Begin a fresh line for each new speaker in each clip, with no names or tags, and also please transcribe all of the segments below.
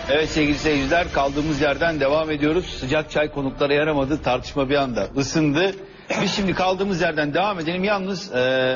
Evet sevgili seyirciler, kaldığımız yerden devam ediyoruz. Sıcak çay konuklara yaramadı, tartışma bir anda ısındı. Biz şimdi kaldığımız yerden devam edelim. Yalnız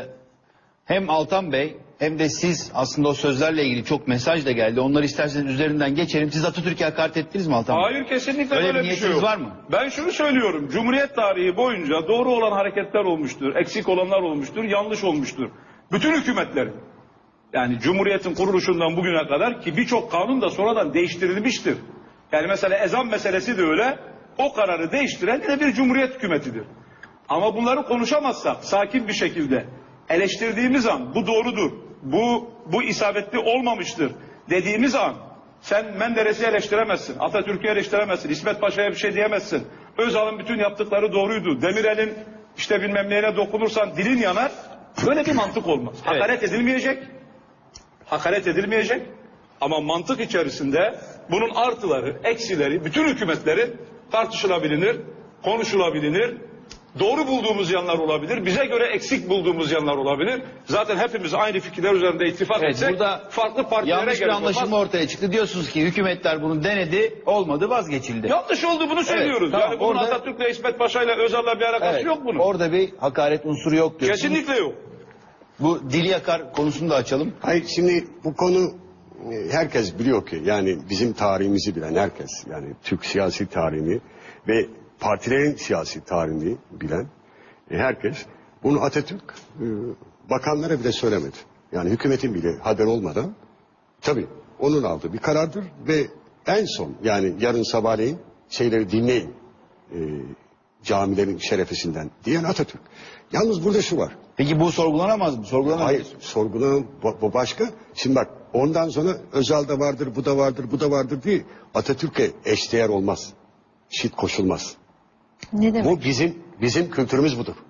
hem Altan Bey hem de siz aslında o sözlerle ilgili çok mesaj da geldi. Onları isterseniz üzerinden geçelim. Siz Atatürk'e hakaret ettiniz mi Altan Bey?
Hayır, kesinlikle
Öyle
böyle
bir
bir şey
niyetiniz
yok.
var mı?
Ben şunu söylüyorum. Cumhuriyet tarihi boyunca doğru olan hareketler olmuştur. Eksik olanlar olmuştur. Yanlış olmuştur. Bütün hükümetlerin. Yani Cumhuriyet'in kuruluşundan bugüne kadar ki birçok kanun da sonradan değiştirilmiştir. Yani mesela ezan meselesi de öyle. O kararı değiştiren de bir Cumhuriyet hükümetidir. Ama bunları konuşamazsak sakin bir şekilde eleştirdiğimiz an bu doğrudur, bu isabetli olmamıştır dediğimiz an sen Menderes'i eleştiremezsin, Atatürk'ü eleştiremezsin, İsmet Paşa'ya bir şey diyemezsin. Özal'ın bütün yaptıkları doğruydu. Demirel'in işte bilmem neyine dokunursan dilin yanar. Böyle bir mantık olmaz.
Evet.
Hakaret edilmeyecek. Hakaret edilmeyecek. Ama mantık içerisinde bunun artıları, eksileri, bütün hükümetlerin tartışılabilir, konuşulabilir. Doğru bulduğumuz yanlar olabilir. Bize göre eksik bulduğumuz yanlar olabilir. Zaten hepimiz aynı fikirler üzerinde ittifak etsek
burada
farklı partilere
yanlış bir
gerek
anlaşılma
olmaz.
ortaya çıktı. Diyorsunuz ki hükümetler bunu denedi, olmadı, vazgeçildi.
Yanlış oldu, bunu söylüyoruz.
tamam,
Yani bunun
orada-
Atatürk'le, İsmet Paşa'yla, Özal'la bir alakası
Evet,
yok bunun.
orada bir hakaret unsuru yok diyorsunuz.
Kesinlikle yok.
Bu dili yakar konusunu da açalım.
Hayır, şimdi bu konu herkes biliyor ki, yani bizim tarihimizi bilen herkes, yani Türk siyasi tarihini ve partilerin siyasi tarihini bilen herkes bunu Atatürk bakanlara bile söylemedi. Yani hükümetin bile haber olmadan tabii onun aldığı bir karardır ve en son, yani yarın sabahleyin şeyleri dinleyin, camilerin şerefesinden diyen Atatürk. Yalnız burada şu var.
Peki bu sorgulanamaz mı? Sorgulanamaz.
Hayır, sorgulanan bu başka. Şimdi bak, ondan sonra Özal da vardır, bu da vardır, bu da vardır diye Atatürk'e eşdeğer olmaz. Şit koşulmaz.
Ne demek?
Bu bizim kültürümüz budur.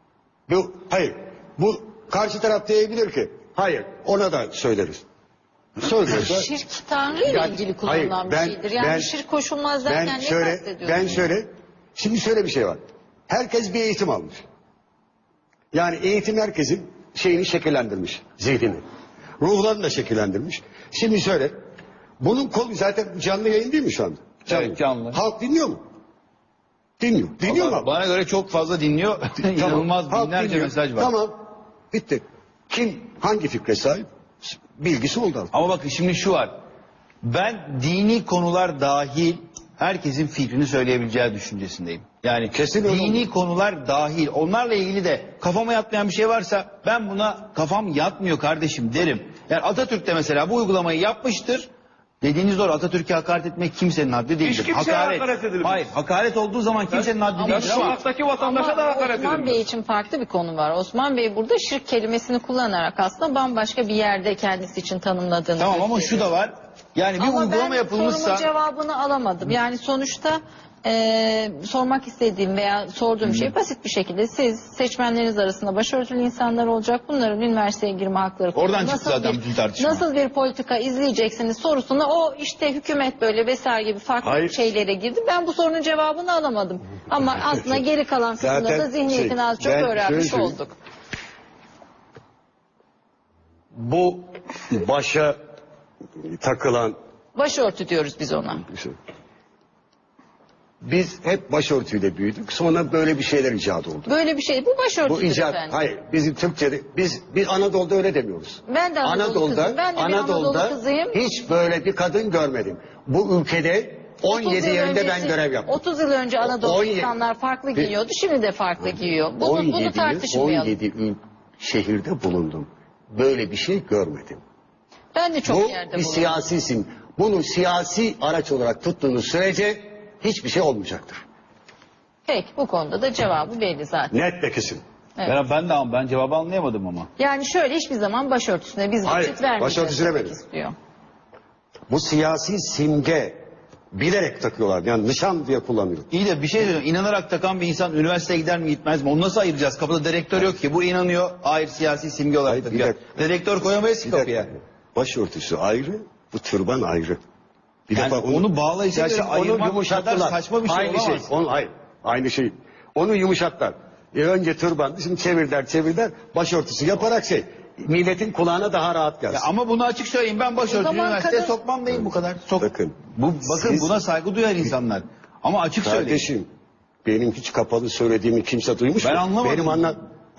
Bu karşı taraf diyebilir ki, hayır, ona da söyleriz. Söylüyorsa,
Şirk Tanrı ile
Yani,
ilgili kullanılan
hayır,
bir
ben-
şeydir. Yani
ben-
şirk koşulmaz derken ne kastediyorsunuz?
Şimdi şöyle bir şey var. Herkes bir eğitim almış. Yani eğitim herkesin şeyini şekillendirmiş, zihnini. Ruhlarını da şekillendirmiş. Şimdi şöyle, bunun kolu zaten canlı yayın değil mi şu anda?
Evet, canlı.
Halk dinliyor mu? Dinliyor. Dinliyor mu?
Bana göre çok fazla dinliyor. İnanılmaz
Halk
binlerce
dinliyor.
mesaj var.
Tamam, bitti. Kim hangi fikre sahip? Bilgisi oldu.
Ama bakın şimdi şu var. Ben dini konular dahil herkesin fikrini söyleyebileceği düşüncesindeyim. Yani
Kesin öyle
dini
olur.
konular dahil, onlarla ilgili de kafama yatmayan bir şey varsa ben buna kafam yatmıyor kardeşim derim. Yani Atatürk de mesela bu uygulamayı yapmıştır. Dediğiniz doğru, Atatürk'e hakaret etmek kimsenin haddi değildir.
Hiç kimseye hakaret edilmez.
Hayır, hakaret olduğu zaman kimsenin haddi
Ya
değildir ama
sokaktaki vatandaşa da
Ama
hakaret
Osman
edilmez.
Bey için farklı bir konu var. Osman Bey burada şirk kelimesini kullanarak aslında bambaşka bir yerde kendisi için tanımladığını
tamam ama şu
gösteriyor.
da var. Yani bir
Ama
uygulama
ben
yapılmışsa
sorumun cevabını alamadım. Yani sonuçta sormak istediğim veya sorduğum şey basit bir şekilde siz seçmenleriniz arasında başörtülü insanlar olacak. Bunların üniversiteye girme hakları
Oradan
konusunda
çıktı zaten bütün tartışma.
nasıl bir politika izleyeceksiniz sorusuna o işte hükümet böyle vesaire gibi farklı
Hayır.
şeylere girdi. Ben bu sorunun cevabını alamadım. Ama aslında geri kalan kısmında
Zaten
da zihniyetini az çok
ben
öğrenmiş
şöyle
olduk.
Bu başa takılan
Başörtü diyoruz biz ona.
şey. Biz hep başörtüyle büyüdük. Sonra böyle bir şeyler icat oldu.
Böyle bir şey. Bu
Bu
başörtüdür
icat,
efendim.
hayır, bizim Türkçe'de biz Anadolu'da öyle demiyoruz.
Ben de Anadolu kızıyım. Ben de bir Anadolu kızıyım.
hiç böyle bir kadın görmedim. Bu ülkede 17
yıl
yerinde ben
öncesi-
görev yaptım.
30 yıl önce Anadolu
17
insanlar farklı giyiyordu. Şimdi de farklı giyiyor. Bunu
17
tartışmayalım.
17 şehirde bulundum. Böyle bir şey görmedim.
Ben de çok
Bu
yerde
bir
bulundum.
siyasisin. Bunu siyasi araç olarak tuttuğunuz sürece hiçbir şey olmayacaktır.
Peki bu konuda da cevabı belli zaten.
Net ve kesin.
Evet.
ben cevabı anlayamadım ama.
Yani şöyle hiçbir zaman başörtüsüne biz
Hayır,
geçit vermeyeceğiz
başörtüsüne
demek
verin.
istiyor.
Bu siyasi simge bilerek takıyorlar. Yani nişan diye kullanıyor.
İyi de bir şey söyleyeyim. İnanarak takan bir insan üniversiteye gider mi gitmez mi? Onu nasıl ayıracağız? Kapıda direktör yok ki. Bu inanıyor. Hayır, siyasi simge olarak
Hayır, bir
takıyor.
dakika.
Direktör koyamayız ki
Bir
kapıya.
dakika. Başörtüsü ayrı, bu türban ayrı. Bir
Yani onu bağlayıcı
Ya
göre
şimdi
ayırmak kadar
yumuşattılar.
saçma bir şey
aynı
olamaz.
Hayır, aynı şey. Onu yumuşattılar. Önce türban, şimdi çevirdiler, başörtüsü yaparak şey. milletin kulağına daha rahat gelsin.
Ya ama bunu açık söyleyeyim, ben başörtülü
zaman
üniversiteye
kadın-
sokmam değil bu kadar.
Bakın,
Bakın
siz-
buna saygı duyar insanlar. Ama açık söyleyeyim.
Kardeşim, benim hiç kapalı söylediğimi kimse duymuş mu?
Ben anlamadım.
Benim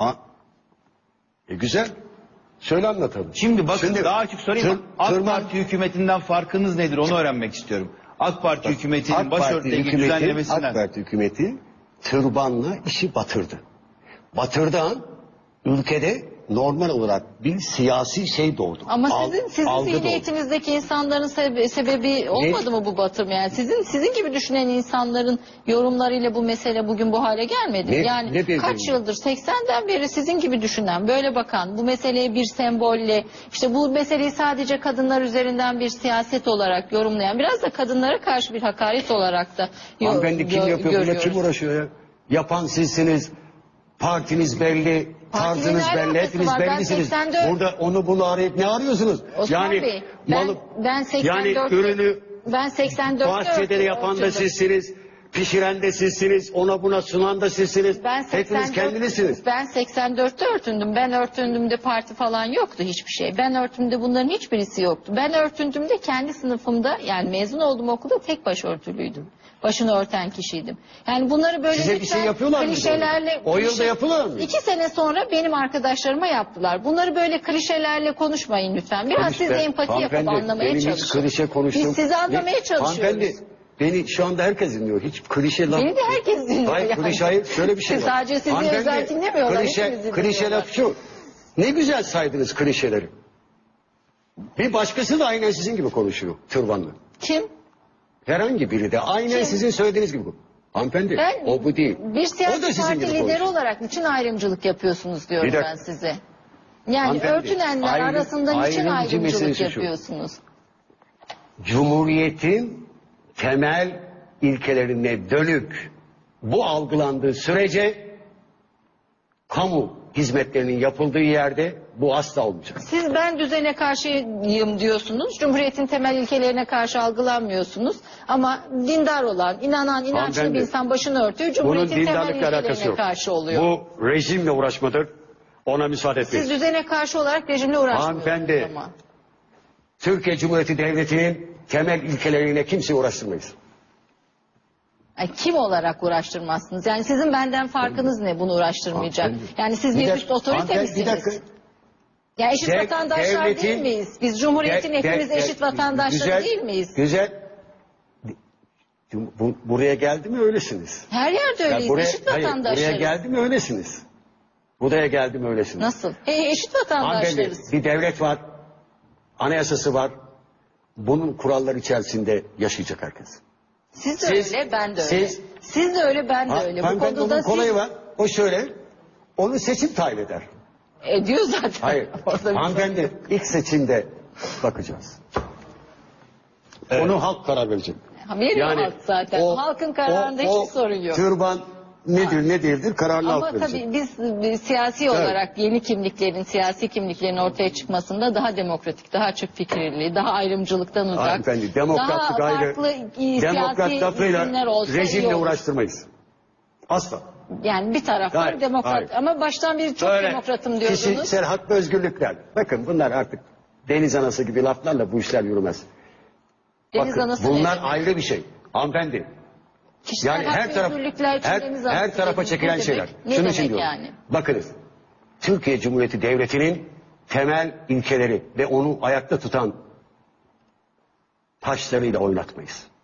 güzel. Söyle anlatalım.
Şimdi bakın daha açık sorayım. AK
tırman-
Parti hükümetinden farkınız nedir onu öğrenmek istiyorum. AK Parti hükümetinin
AK Parti
başörtüyle ilgili
hükümeti,
düzenlemesinden.
AK Parti hükümeti tırbanla işi batırdı. Batırdığı an ülkede normal olarak bir siyasi şey doğdu.
Ama sizin
algı doğdu.
zihniyetinizdeki insanların sebebi olmadı mı bu batırma? Yani sizin gibi düşünen insanların yorumlarıyla bu mesele bugün bu hale gelmedi.
Ne-
Yani
ne dediğin?
kaç yıldır 80'den beri sizin gibi düşünen, böyle bakan, bu meseleye bir sembolle, işte bu meseleyi sadece kadınlar üzerinden bir siyaset olarak yorumlayan, biraz da kadınlara karşı bir hakaret olarak da
Hanımefendi kim yapıyor? Buna
görüyoruz.
kim uğraşıyor ya? Yapan sizsiniz. Partiniz belli.
Partinin
Tarzınız
ne
belli.
alakası
Hepiniz
var? Ben
bellisiniz.
84
Burada onu bunu arayıp ne arıyorsunuz?
Osman Bey, ben 84
yani ürünü
ben 84
bahçede yapan da sizsiniz. Pişiren de sizsiniz. Ona buna sunan da sizsiniz. Hepiniz kendinizsiniz.
Ben 84'te örtündüm. Ben örtündüğümde parti falan yoktu hiçbir şey. Ben örtündüğümde bunların hiçbirisi yoktu. Ben örtündüğümde kendi sınıfımda, yani mezun olduğum okulda tek başörtülüydüm. Başını örten kişiydim. Yani bunları böyle
Size bir
lütfen
şey yapıyorlar mı?
klişelerle...
O yılda yapıyorlar mı?
2 sene sonra benim arkadaşlarıma yaptılar. Bunları böyle klişelerle konuşmayın lütfen. Biraz siz de empati yapıp anlamaya
benim hiç
çalışın.
klişe konuştum.
Biz sizi anlamaya çalışıyoruz.
Hanımefendi beni şu anda herkes dinliyor. Hiç klişe laf.
Beni de herkes dinliyor
Hayır
yani.
klişe hayır. Şöyle bir şey var.
Sadece sizi
Hanımefendi,
özel dinlemiyorlar,
Klişe,
hepimizi
klişe
dinliyorlar.
laf şu. Ne güzel saydınız klişeleri. Bir başkası da aynen sizin gibi konuşuyor türbanlı.
Kim?
Herhangi biri de aynen
Kim?
sizin söylediğiniz gibi. Hanımefendi
Ben
o bu değil.
bir
O da
siyasi
sizin
parti
gibi
lideri
konuşuyor.
olarak niçin ayrımcılık yapıyorsunuz diyorum
Bir dakika.
ben size. Yani
Hanımefendi,
örtünenler arasında niçin
ayrımcı meselesi
ayrımcılık
şu.
yapıyorsunuz?
Cumhuriyetin temel ilkelerine dönük bu algılandığı sürece kamu hizmetlerinin yapıldığı yerde bu asla olmayacak.
Siz ben düzene karşıyım diyorsunuz. Cumhuriyetin temel ilkelerine karşı algılanmıyorsunuz. Ama dindar olan, inanan, inançlı
Hanımefendi,
bir insan başını örtüyor.
Bunun
Cumhuriyetin temel
dindarlıkla alakası
ilkelerine
yok.
karşı oluyor.
Bu rejimle uğraşmadır. Ona müsaade etmeyin.
Siz düzene karşı olarak rejimle uğraşmıyorsunuz
Hanımefendi,
ama.
Türkiye Cumhuriyeti Devleti'nin temel ilkeleriyle kimseyi uğraştırmayız.
Ay, kim olarak uğraştırmazsınız? Yani sizin benden farkınız ne bunu uğraştırmayacak?
Hanımefendi,
Yani siz bir üst otorite
hanımefendi, bir
misiniz?
dakika.
Ya eşit vatandaşlar
devletin-
değil miyiz? Biz Cumhuriyet'in hepimiz eşit vatandaşları
güzel,
değil miyiz?
Güzel. Buraya geldi mi öylesiniz.
Her yerde
Ya
öyleyiz. Eşit
buraya
vatandaşlarız.
geldi mi öylesiniz. Buraya geldi mi öylesiniz.
Nasıl? Eşit
Hanımefendi,
vatandaşlarız.
bir devlet var. Anayasası var. Bunun kuralları içerisinde yaşayacak herkes.
Siz de
siz-
öyle, ben de öyle.
siz-
Siz de öyle, ben de öyle. Bu
Hanımefendi,
konuda
onun
siz
kolayı var. O şöyle. Onu seçim tayin eder.
ediyor zaten.
Hayır.
Orada bir
Hanımefendi ilk seçimde bakacağız. Onu halk karar verecek.
sorun. Veriyor halk zaten. Halkın kararında hiçbir sorun yok.
Türban nedir ne değildir kararlı
Ama
halk verecek.
tabii biz siyasi olarak yeni kimliklerin, siyasi kimliklerin ortaya çıkmasında daha demokratik, daha açık fikirli, daha ayrımcılıktan uzak,
Hanımefendi demokratlık
daha
ayrı.
farklı
Demokrat
siyasi
lafıyla
isimler olsa iyi
rejimle
olur.
uğraştırmayız. Asla.
Yani bir taraftan
Hayır,
demokrat
hayır.
ama baştan beri çok
Öyle
demokratım diyordunuz.
kişisel hak ve özgürlükler. Bakın bunlar artık deniz anası gibi laflarla bu işler yürümez.
Deniz
Bakın,
anası
bunlar
ne?
ayrı bir şey. Hanımefendi.
Kişisel
Yani
hak
her
ve
taraf
özgürlükler için deniz anası
her tarafa
dediğiniz
çekilen
ne
şeyler.
demek? Ne
Şunun
demek
için diyorum.
yani?
Bakınız. Türkiye Cumhuriyeti Devleti'nin temel ilkeleri ve onu ayakta tutan taşlarıyla oynatmayız.